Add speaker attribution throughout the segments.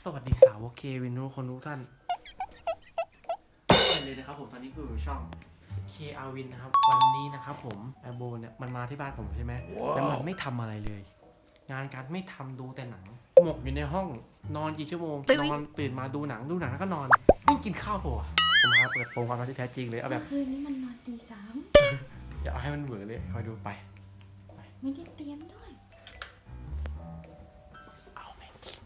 Speaker 1: วัสดีสาวเควินทุกคนทุกท่านสวัสดีเลยนะครับผมตอนนี้คือช่องเคอาวินนะครับวันนี้นะครับผมแอโบเนี่ยมันมาที่บ้านผมใช่ไหมแล้วมันไม่ทำอะไรเลย งานการไม่ทำดูแต่หนังหมกอยู่ในห้องนอนกี่ชั่วโมงนอนตื่นมาดูหนังแล้วก็นอนไม่กินข้าวผมมาเปิดโปงความรักที่แท้จริงเลยเอาแบบ
Speaker 2: คืนนี้มันนอนตีสาม
Speaker 1: อย่าเอาให้มันเบื่อเลยคอยดูไป
Speaker 2: ไม่ได้เตรียมด้วย
Speaker 1: เอาแม่งจริง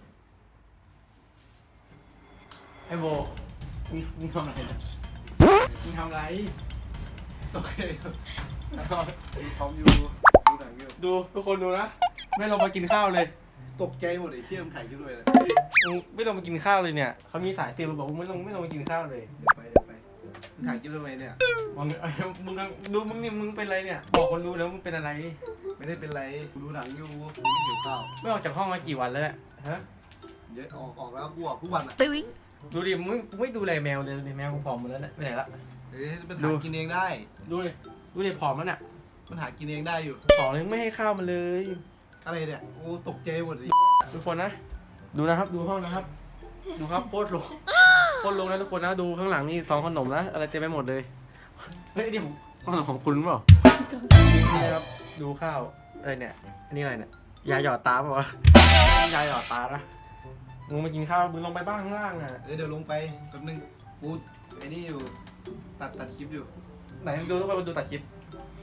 Speaker 1: ไอ้โบมึงทำอะไรนะมึงทำอะไรโอเค
Speaker 3: พร้อมอยู่ดูหนังอยู่
Speaker 1: ดูทุกคนดูนะไม่ลงมากินข้าวเลย
Speaker 3: ตกใจหมดไอ้เที่ยมถ่ายคลิปด้วยนะ
Speaker 1: มึงไม่ลงมากินข้าวเลยเนี่ยเขามีสายเซลล์บอกมึงไม่ลงมากินข้าวเลย
Speaker 3: เดี๋ยวไปมึงถ่ายคลิปทำไมเนี่ย
Speaker 1: มึงดูมึงนี่มึงเป็นอะไรเนี่ยบอกคนดูแล้วมึงเป็นอะไร
Speaker 3: ไม่ได้เป็นไรกูดูหนังอยู่กูไม่หิวข้าว
Speaker 1: ไม่ออกจากห้องมากี่วันแล้วเนี่ยฮะ
Speaker 3: เยอะออกแล้วกูออกทุกวันอ่ะ
Speaker 1: ดูดิมึงไม่ดูแลแมวเลยแมวกูผอมหมดแล้วเนี่ยไปไหนละ
Speaker 3: เอ้ยมันหากินเองได้
Speaker 1: ดูดิผอมแล้วเนี่ย
Speaker 3: มันหากินเองได้อยู่
Speaker 1: ผอมเลยไม่ให้ข้าวมันเลย
Speaker 3: อะไรเนี่ยกูตกใจหมดเลย
Speaker 1: ทุกคนนะดูนะครับดูห้องนะครับดูครับโคตรลงนะทุกคนนะดูข้างหลังนี่ซองขนมนะอะไรเต็มไปหมดเลยเฮ้ยนี่ขนมของคุณเปล่านี่ครับดูข้าวอะไรเนี่ยอันนี้อะไรเนี่ยยาหยอดตาเปล่าวะยาหยอดตานะมึงมากินข้าวมึงลงไปบ้างข้างล่างอ่ะ
Speaker 3: เดี๋ยวลงไปแป๊บนึงกูไอ้นี่อยู่ตัดคลิปอยู่
Speaker 1: ไหนดูทุกคนมาดูตัดคลิป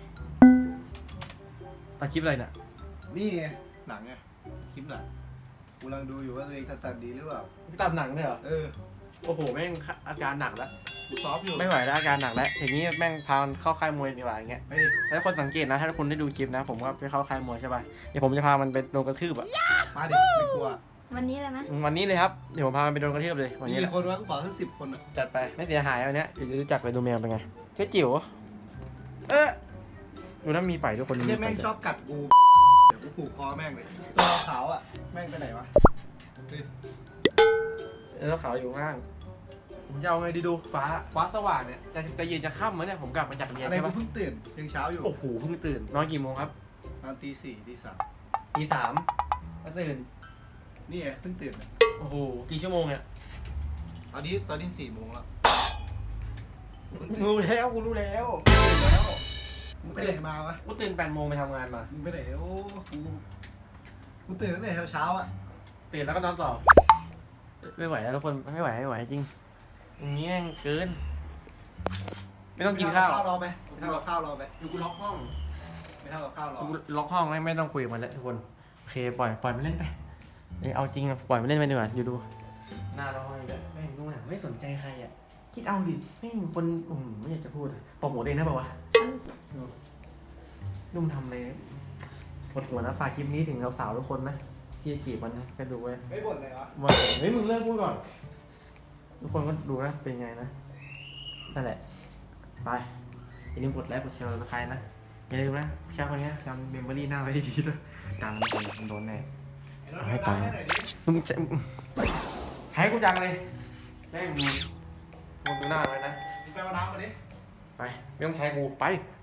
Speaker 1: อะไรเนี่ย
Speaker 3: นี่ไงหนังไงคลิปหนังกูกำลังดูอยู่ว่าตัวเองตัดดีหรือเปล่า
Speaker 1: ตัดหนังเลยเหรอ
Speaker 3: เออ
Speaker 1: โอ้โหแม่งอาการหนักแล้ว
Speaker 3: กูซอฟอยู่
Speaker 1: ไม่ไหวแล้วอาการหนักแล้วอย่างนี้แม่งพามันเข้าค่ายมวยดีกว่าอย่างเงี้ย
Speaker 3: ไปดิ
Speaker 1: ถ้าคนสังเกตนะถ้าคุณได้ดูคลิปนะผมว่าไปเข้าค่ายมวยใช่ป่ะเดี๋ยวผมจะพามันไปโดนกระทืบอ่ะ
Speaker 3: มาดิไม่กลัว
Speaker 2: วันนี้เลยไหม
Speaker 1: วันนี้เลยครับเดี๋ยวผมพามันไปโดนกระทืบเลยวัน
Speaker 3: มี
Speaker 1: นี้แหละ
Speaker 3: คนวะกูขอสัก10 คนอ่ะ
Speaker 1: จัดไปไม่เสียหายวันเนี้ยเดี๋ยวจะรู้จักไปดูแมวเป็นไงเจ้าจิ๋วดูนะมีไฝทุกคนมี
Speaker 3: เที่ย
Speaker 1: ไฝ
Speaker 3: แม่งชอบกัดกูเดี๋ยวกูผูกคอแม่งเลยตัวขาวอ่ะแม่งไปไหนวะเฮ้ย
Speaker 1: แล้วขาวอยู่ข้างล่างผมจะเอาไงดีดูฟ้าสว่างเนี่ยจะเย็นจะค่ำมั้ยเนี่ยผมกลับมาจากเรียน
Speaker 3: อะไร
Speaker 1: ใช่
Speaker 3: กู
Speaker 1: ป่ะ
Speaker 3: เพิ่งตื่นยังเช้าอยู่
Speaker 1: โอ้โหเพิ่งตื่นนอนกี่โมงครับ
Speaker 3: ตอนตี 4ตี
Speaker 1: ตี 3ก็ตื่น
Speaker 3: 3นี่ไงเพิ่งตื่นอะ
Speaker 1: โอ้โหกี่ชั่วโมงเนี่ย
Speaker 3: ตอนนี้4 โมงแล้ว
Speaker 1: รู้แล้วกูรู้แล้วตื่นแล้ว
Speaker 3: มึงไปไหนมาวะ
Speaker 1: กูตื่น8 โมงไปทำงานมา
Speaker 3: มึงไปไหนโอ้กูตื่นตั้งแต่เช้าอ่ะ
Speaker 1: ตื่นแล้วก็นอนต่อไม่ไหวแล้วทุกคนไม่ไหวจริงอย่างนี้แม่งเกินไม่ต้องกินข้าว
Speaker 3: รอไปไม่ทำกับข้าวรอไป
Speaker 1: อยู่กูล็อกห้อง
Speaker 3: ไม่ทำกับข้าวรอ
Speaker 1: กูล็อกห้องไม่ต้องคุยกับมันแล้วทุกคนโอเคปล่อยมันเล่นไปเอาจริงอะปล่อยมันเล่นไปดีกว่าอยู่ดูหน้าเราห้องแบบแม่งดูหนังไม่สนใจใครอ่ะคิดเอาดิแม่งคนไม่อยากจะพูดตบหัวเองนะเปล่าวะนุ่มทำเลยปวดหัวนะฝากคลิปนี้ถึงสาวๆทุกคนนะที่จะจีบมันนะไปดูไว้
Speaker 3: ไม่บ่นเลยวะ
Speaker 1: ว่าเฮ้ยมึงเลิกพูดก่อนทุกคนก็ดูนะเป็นไงนะนั่นแหละไปอย่าลืมกดไลค์กดแชร์กับใครนะอย่าลืมนะชาคนนี้จำเมมโมรี่หน้าไว้ดีๆด้วยดังมันโดนแน่ เอาให้ตาย มึงใช้กูจังเลยแม่งดูหน้าไว้นะ
Speaker 3: มึงไปเอาน้ำมาดิ
Speaker 1: ไปไม่ต้องใช้กูไป